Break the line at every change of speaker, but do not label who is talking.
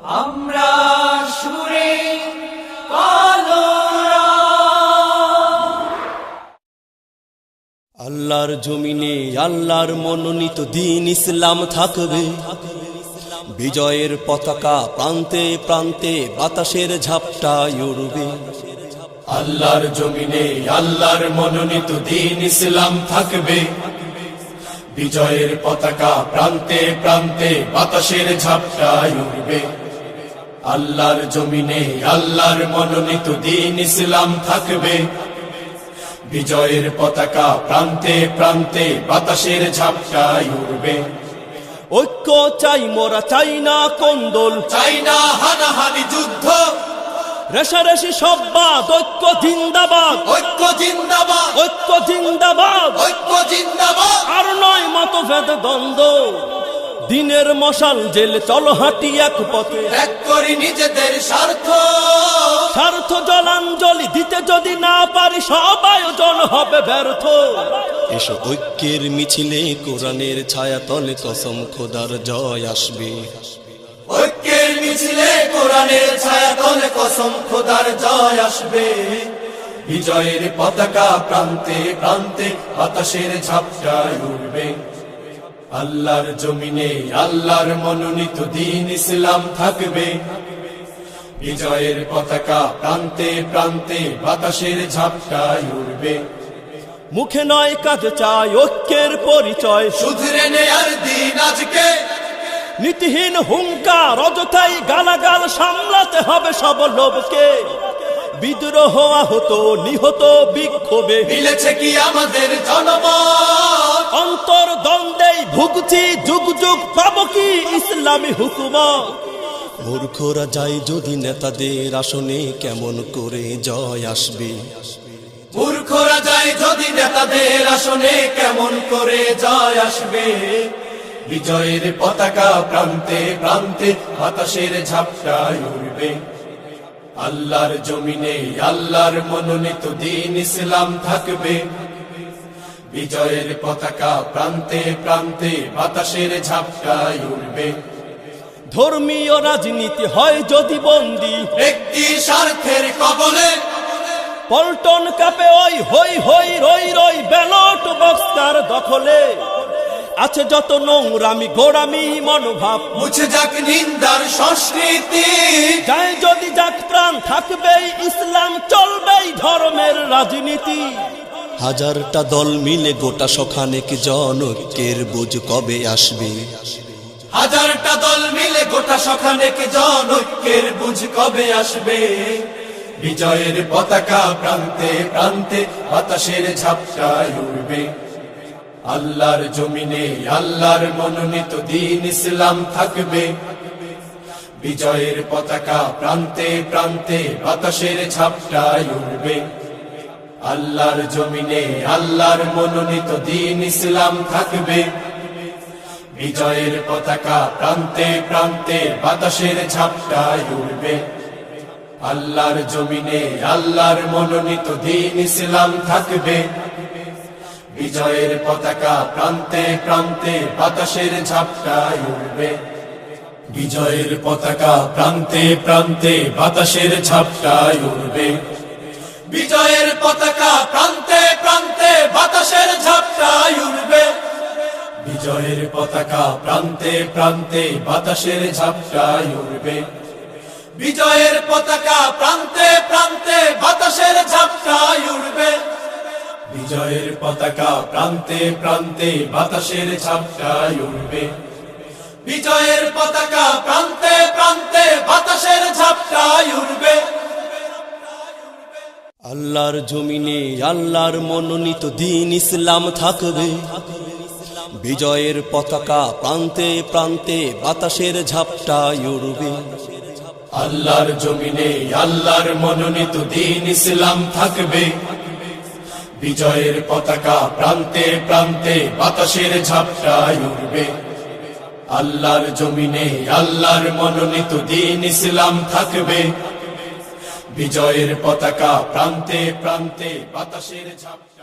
আমরা সুরে কালোরা।
আল্লাহর জমিনে আল্লাহর মনোনীত দ্বীন ইসলাম থাকবে, বিজয়ের পতাকা প্রান্তে প্রান্তে বাতাসের ঝাপটায় উড়বে।
আল্লাহর জমিনে আল্লাহর মনোনীত দ্বীন ইসলাম থাকবে, বিজয়ের পতাকা প্রান্তে প্রান্তে বাতাসের ঝাপটায় উড়বে। আল্লাহর জমিনে আল্লাহর মনোনীত দ্বীন ইসলাম থাকবে, বিজয়ের পতাকা প্রান্তে প্রান্তে বাতাসের ঝাপটায় উড়বে।
ঐক্য চাই মোরা, চাই না কোন্দল,
চাই না হানাহানি যুদ্ধ,
রেশারেশি সব বাদ, ঐক্য জিন্দাবাদ,
ঐক্য জিন্দাবাদ,
ঐক্য জিন্দাবাদ।
ঐক্য জিন্দাবাদ।
আর নয় মতভেদ দ্বন্দ্ব, দিনের মশাল জেলে চলো হাঁটি এক পথে।
ত্যাগ করি নিজেদের স্বার্থ,
স্বার্থ জলাঞ্জলি দিতে যদি না পারি সব আয়োজন হবে ব্যর্থ। এসো ঐক্যের মিছিলে কোরআনের ছায়া তলে কসম খোদার জয় আসবে।
ঐক্যের মিছিলে কোরআনের ছায়া তলে কসম খোদার জয় আসবে। বিজয়ের পতাকা প্রান্তে প্রান্তে বাতাসের ঝাপটায় উড়বে। আল্লাহর জমিনে আল্লাহর মনোনীত দ্বীন ইসলাম থাকবে, বিজয়ের পতাকা প্রান্তে প্রান্তে বাতাসের ঝাপটায় উড়বে।
মুখে নয় কাজে চাই ঐক্যের পরিচয়,
শুধরে নেয়ার দিন আজকে,
নীতিহীন হুঙ্কার অযথাই গালাগাল সামলাতে হবে সব লোভকে। বিদ্রোহ আহত নিহত বিক্ষোভে
মিলেছে কি আমাদের জনমত?
অন্তর দ্বন্দ্বেই ভুগছি যুগ যুগ, পাবো কি ইসলামী হুকুমত? মূর্খরা যায় যদি নেতাদের আসনে, কেমন করে জয় আসবে?
মূর্খরা যায় যদি নেতাদের আসনে, কেমন করে জয় আসবে? বিজয়ের পতাকা প্রান্তে প্রান্তে বাতাসের ঝাপটায় উড়বে। আল্লাহর জমিনে আল্লাহর মনোনীত দ্বীন ইসলাম থাকবে, বিজয়ের পতাকা প্রান্তে প্রান্তে বাতাসের ঝাপটায় উড়বে।
ধর্মীয় রাজনীতি হয় যদি বন্দী,
ব্যক্তি স্বার্থের কবলে
পল্টন কাপে ওই হই হই রই রই, ব্যালট বক্সার দখলে আছে যত নোংরামি গোড়ামি মনোভাব।
মুছে যাক নিন্দার সংস্কৃতি,
যায় যদি যাক প্রাণ থাকবেই ইসলাম, চলবেই ধর্মের রাজনীতি। হাজারটা দল মিলে গোটা সখানেক জনৈক্যের বুঝ কবে আসবে?
হাজারটা দল মিলে গোটা সখানেক জনৈক্যের বুঝ কবে আসবে? বিজয়ের পতাকা প্রান্তে প্রান্তে বাতাসের ঝাপটায় উড়বে। আল্লাহর জমিনে আল্লাহর মনোনীত দ্বীন ইসলাম থাকবে, বিজয়ের পতাকা প্রান্তে প্রান্তে বাতাসের ঝাপটায় উড়বে। আল্লাহর জমিনে আল্লাহর মনোনীত দ্বীন ইসলাম থাকবে, বিজয়ের পতাকা প্রান্তে প্রান্তে বাতাসের ঝাপটায় উড়বে। আল্লাহর জমিনে আল্লাহর মনোনীত দ্বীন ইসলাম থাকবে, বিজয়ের পতাকা প্রান্তে প্রান্তে বাতাসের ঝাপটায় উড়বে। বিজয়ের পতাকা প্রান্তে প্রান্তে বাতাসের ঝাপটায় উড়বে। বিজয়ের পতাকা প্রান্তে প্রান্তে বাতাসের ঝাপটায় উড়বে। বিজয়ের পতাকা প্রান্তে প্রান্তে বাতাসের ঝাপটায় উড়বে। বিজয়ের পতাকা প্রান্তে প্রান্তে বাতাসের ঝাপটায় উড়বে। বিজয়ের পতাকা প্রান্তে প্রান্তে বাতাসের ঝাপটায় উড়বে। বিজয়ের পতাকা প্রান্তে প্রান্তে বাতাসের ঝাপটায় উড়বে।
আল্লাহর জমিনে আল্লাহর মনোনীত দ্বীন ইসলাম থাকবে, বিজয়ের পতাকা প্রান্তে প্রান্তে বাতাসের ঝাপটায় উড়বে।
আল্লাহর জমিনে আল্লাহর মনোনীত দ্বীন ইসলাম থাকবে, বিজয়ের পতাকা প্রান্তে প্রান্তে বাতাসের ঝাপটায় উড়বে। আল্লাহর জমিনে আল্লাহর মনোনীত দ্বীন ইসলাম থাকবে, বিজয়ের পতাকা প্রান্তে প্রান্তে বাতাসের ঝাপটায়